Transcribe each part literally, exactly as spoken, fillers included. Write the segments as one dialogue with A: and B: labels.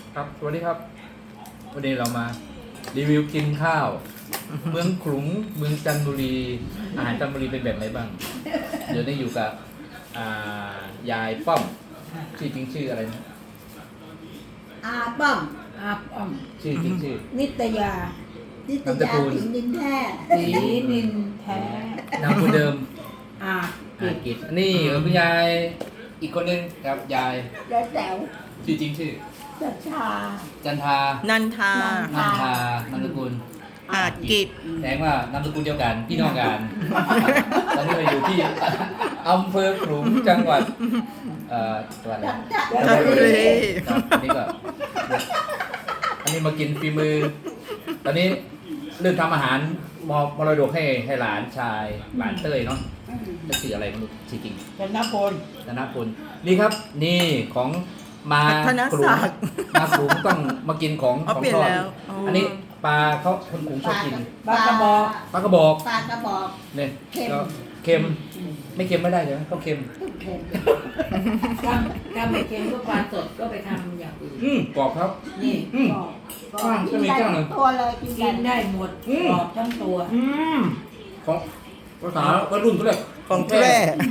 A: ครับสวัสดีครับวันนี้เรามารีวิวกินข้าว เมืองขลุงเมืองจันทบุรีอาหารจันทบุรีเป็นแบบไหนบ้าง เดี๋ยวนี้อยู่กับอ่ายายป้อมชื่อจริงชื่ออะไรนะ
B: อาป้อม
C: อาป้อม
A: ชื่อจริงชื่อ
C: นิตยา
B: นิต
A: นามส
B: ยา
A: กุล
B: สิงห์ดินแท้
C: สีนินแท้
A: นามสกุลเดิม
C: อา
A: อากิจนี่คุณยายอีกคนนึงครับยาย
B: แล้วแต๋ว
A: ชื่อจริงชื่อ
B: จัชชา
A: จันทา
D: นันทา
A: นันทานามสกุล
D: อาจกิจ
A: แสดงว่านามสกุลเดียวกันพี่น้องกัน ตอนนี้เราอยู่ที่อำเภอขลุงจังหวัดเอ่อจังหวัดอะไร
B: จันท
D: จันทบุรี
A: ครับอันนี้ก็อันนี้มากินฝีมือ ตอนนี้เรื่องทำอาหารมอบมรดกให้ให้หลานชายหลานเต้ยเนาะจะชื่ออะไรไมันชื่อจริง
C: ธนพล
A: ธนพลนี่ครับนี่ของมา
D: พัฒน
A: ขลุง
D: ศักดิ์
A: มาขลุงต้องมากินของ
D: อ๋อ
A: ของ
D: เปลี่ยน
A: ทอด
D: แล้วอ๋ออั
A: อันนี้ปลาเขาคนขลุงชอบกิน
C: ปลากระบอก
A: ปลากระบอก
B: ปลากระบอก
A: เนี่ย
B: เค็ม
A: ก็เค็มไม่เค็มไม่ได้ใช่ไหมเขาเค็ม
B: เค็ม
C: ถ้าถ้าไม่เค็มก็ปลาสดก็ไปทำอย่างอื่น
A: อืมกรอบครับ
C: นี่
A: อืม
B: บอกบอก
A: ข้าง
B: กิ
A: ก็
B: น
A: มี
B: ได้
A: ข้างหนึ่ง
B: ทั้งตัวเลยกิน
C: กิน
B: ได้
C: ได้หมด
A: อืม
C: กรอบทั้งตัว
A: อืมของภาษาวัยรุ่นเขาเรียก
D: ของแท้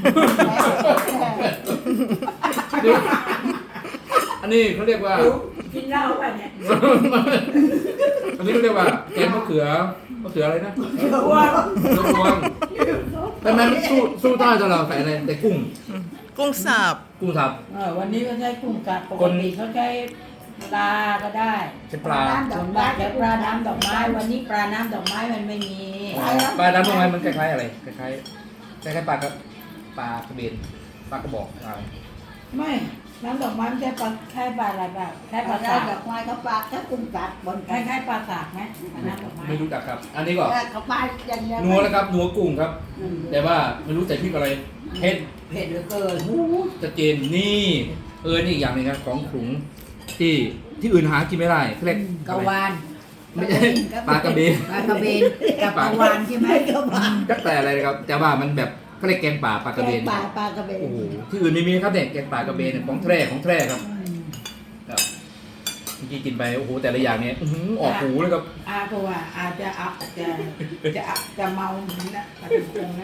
A: นี่อันนี้เขาเรียกว่า
C: กินเหล้าป่ะเนี่ย
A: อันนี้เขาเรียกว่าแกงมะเขือมะเขืออะไรนะ
C: อ้วน
A: มะพร้าวแต่มันสู้สู้ใต้ตลอดใส่อะไรแต่กุ้ง
D: กุ้งสับ
A: กุ้งสับ
C: เออวันนี้ก็ใช้กุ้งกัดป
A: ค
C: ก
A: น
C: ติเขาใช้ปลาก็ได้
A: ใช่ปลา
C: ส่วนมากใช้ปลาน้ำดอกไม้ วันนี้ปลาน้ำดอกไม้มันไม่มี
A: ปลาดำตรงไหนมันคล้ายๆอะไรคล้ายๆคล้ายๆปลากระปลากระเบนปลากระบอกอะไร
C: ไม่น้ำดอกไม้ไม่ใช่ปลาแค่ปลาอะไรแบบแค่
B: ป
C: ป
B: ลา
C: ลา
B: ได้
C: สาก
B: ดอกไม้เขาปลาถ้ากุ้งกัดบน
C: ค
B: กัน
C: ล้ายๆปลาสากไหมน้ำดอกไม้
A: ไม่รู้จักครับ อันนี้ก็
B: เขาปลาอย่างเดียว
A: นัวแล้วครับนัวกุ้งครับ
B: อืม
A: แต่ว่าไม่รู้ใส่พริกอะไรเผ็ด
C: เผ็ดเหลือเกิน
A: จะเจนนี่เออนี่อีกอย่างหนึงครับของขลุงที่ที่อื่นหากินไม่ได้เขาเรียก
C: กะวาน
A: ไม่ใช่ปลากระเบน
C: ปลากระเบนกับกะวานใช่ไหม
B: ก็ปลา
A: ก็แต่อะไรนะครับแต่ว่ามันแบบเขาเรียกแกงป่าปลากระเบน
B: ปลาปลากระเบน
A: โอ้โหที่อื่นไม่มีครับเนี่ยแกงป่ากระเบนเนี่ยของแท้ของแท้ครับครับเมื่อกี้กินไปโอ้โหแต่ละอย่างเนี่ยอื้อหือออกหูเลยครับ
C: อาก็ว่าอาจจะอาจะจะจะเมาเหมือนนะปลากระพงนั่น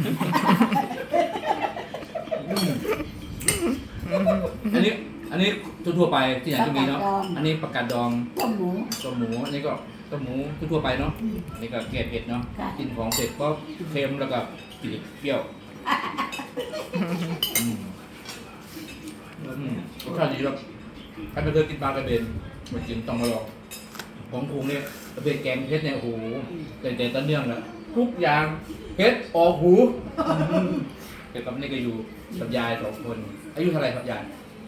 A: อืมอันนี้อันนี้ทั่วๆไปที่ไหนก็มีเนาะอันนี้ผักกาดดอง
B: ต้มหมู
A: ต้มหมูอันนี้ก็ต้มหมูทั่วๆไปเนาะอันนี้ก็แกงเผ็ดเนาะ
B: ค่ะ
A: กินของเผ็ดก็เค็มแล้วก็จืดเปรี้ยวอืมอืมรสชาติดีครับใครไม่เคยกินปลากระเบนมากินต้องมาลองของคุงเนี่ยกระเบนแกงเผ็ดเนี่ยโอ้โหแต่แต่ต้นเนื่องแล้วทุกอย่างเผ็ดออกหูอืมเกี่ยวกับนี่ก็อยู่กับยายสองคนอายุเท่าไหร่ครับยาย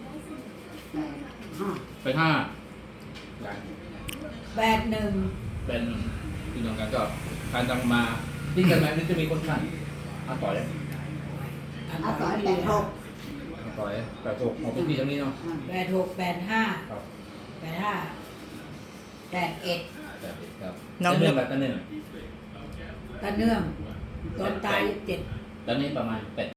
B: อ่า
A: ไปห้าอย่าง
C: แปดหนึ่ง
A: เป็นพี่น้องกันก็การจังมาที่กันไหมนี่จะมีคนขันอาต่อย
B: อาต่อยแปดหก
A: อาต่อยแปดหกของพี่ทั้งนี้เนาะ
C: แปดหกแปดห้า
A: ครับ
C: แปดห้าแปดเอ็ด
A: แปดเอ็ดครับ
D: น้อง
A: เนื่องแบบเนื่อง
C: ตะเนื่องตอนตายเจ็ด
A: ตอนนี้ประมาณแปด